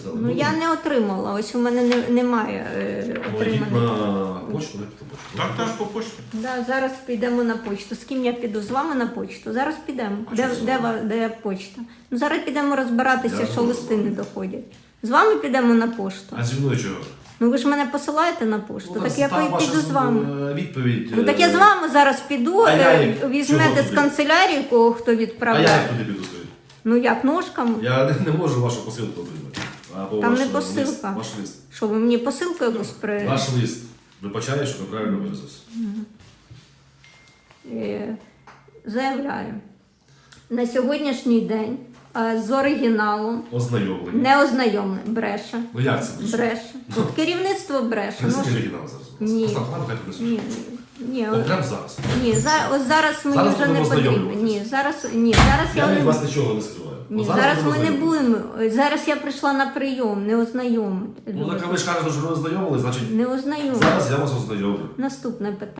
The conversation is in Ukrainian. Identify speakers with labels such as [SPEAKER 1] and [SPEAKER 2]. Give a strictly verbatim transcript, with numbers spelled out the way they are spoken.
[SPEAKER 1] сказали.
[SPEAKER 2] Ну я не отримала, ось у мене не, немає е,
[SPEAKER 1] Ну, йдіть
[SPEAKER 2] отриманих.
[SPEAKER 1] на почту, дайте почту.
[SPEAKER 3] Так, так, по почті.
[SPEAKER 2] Да, зараз підемо на почту. З ким я піду? З вами на почту? Зараз підемо.
[SPEAKER 1] А
[SPEAKER 2] Де,
[SPEAKER 1] що з
[SPEAKER 2] де,
[SPEAKER 1] вами?
[SPEAKER 2] ва- де почта? Ну зараз підемо розбиратися,
[SPEAKER 1] Я
[SPEAKER 2] що
[SPEAKER 1] не
[SPEAKER 2] листи
[SPEAKER 1] можу.
[SPEAKER 2] не доходять. З вами підемо на пошту.
[SPEAKER 1] А зі мною чого?
[SPEAKER 2] Ну ви ж мене посилаєте на пошту,
[SPEAKER 1] Ну,
[SPEAKER 2] так я
[SPEAKER 1] там ваша
[SPEAKER 2] піду з вами.
[SPEAKER 1] е, відповідь.
[SPEAKER 2] Ну так я з
[SPEAKER 1] е,
[SPEAKER 2] вами зараз піду,
[SPEAKER 1] А я
[SPEAKER 2] е,
[SPEAKER 1] як? Чого
[SPEAKER 2] візьмете з
[SPEAKER 1] туди?
[SPEAKER 2] канцелярії, кого хто
[SPEAKER 1] А я
[SPEAKER 2] відправляє.
[SPEAKER 1] як туди піду скажіть?
[SPEAKER 2] Ну як ножками?
[SPEAKER 1] Я не, не можу вашу посилку отримати. Або
[SPEAKER 2] Там
[SPEAKER 1] ваш,
[SPEAKER 2] не
[SPEAKER 1] е,
[SPEAKER 2] посилка.
[SPEAKER 1] Лист, ваш лист.
[SPEAKER 2] Що ви мені посилку якусь при...
[SPEAKER 1] Ваш лист. Вибачаю, що неправильно виразився.
[SPEAKER 2] Е, Заявляю. На сьогоднішній день е, з оригіналом
[SPEAKER 1] Ознайомлення.
[SPEAKER 2] не ознайомлений. Бреше.
[SPEAKER 1] Ну як це? бреше?
[SPEAKER 2] Бреше. Тут керівництво бреше. Ну,
[SPEAKER 1] Принесіть
[SPEAKER 2] ж-
[SPEAKER 1] оригінал зараз.
[SPEAKER 2] Ні.
[SPEAKER 1] Постав плану, хай принесуть.
[SPEAKER 2] ні, ні,
[SPEAKER 1] От прямо зараз.
[SPEAKER 2] ні, за- ось зараз мені
[SPEAKER 1] Зараз
[SPEAKER 2] вже не
[SPEAKER 1] будемо
[SPEAKER 2] потрібно.
[SPEAKER 1] ознайомлюватись.
[SPEAKER 2] Ні, зараз, ні, зараз
[SPEAKER 1] Я
[SPEAKER 2] я
[SPEAKER 1] від
[SPEAKER 2] не
[SPEAKER 1] вас нічого не скриваю.
[SPEAKER 2] ні,
[SPEAKER 1] От
[SPEAKER 2] зараз
[SPEAKER 1] будемо
[SPEAKER 2] ми не
[SPEAKER 1] ознайомлюватись.
[SPEAKER 2] будемо. Зараз я прийшла на прийом, не ознайомити.
[SPEAKER 1] Ну так а ви ж кажете, що ви ознайомили, значить
[SPEAKER 2] Не ознайомити.
[SPEAKER 1] зараз я вас ознайомлю.
[SPEAKER 2] Наступне питання.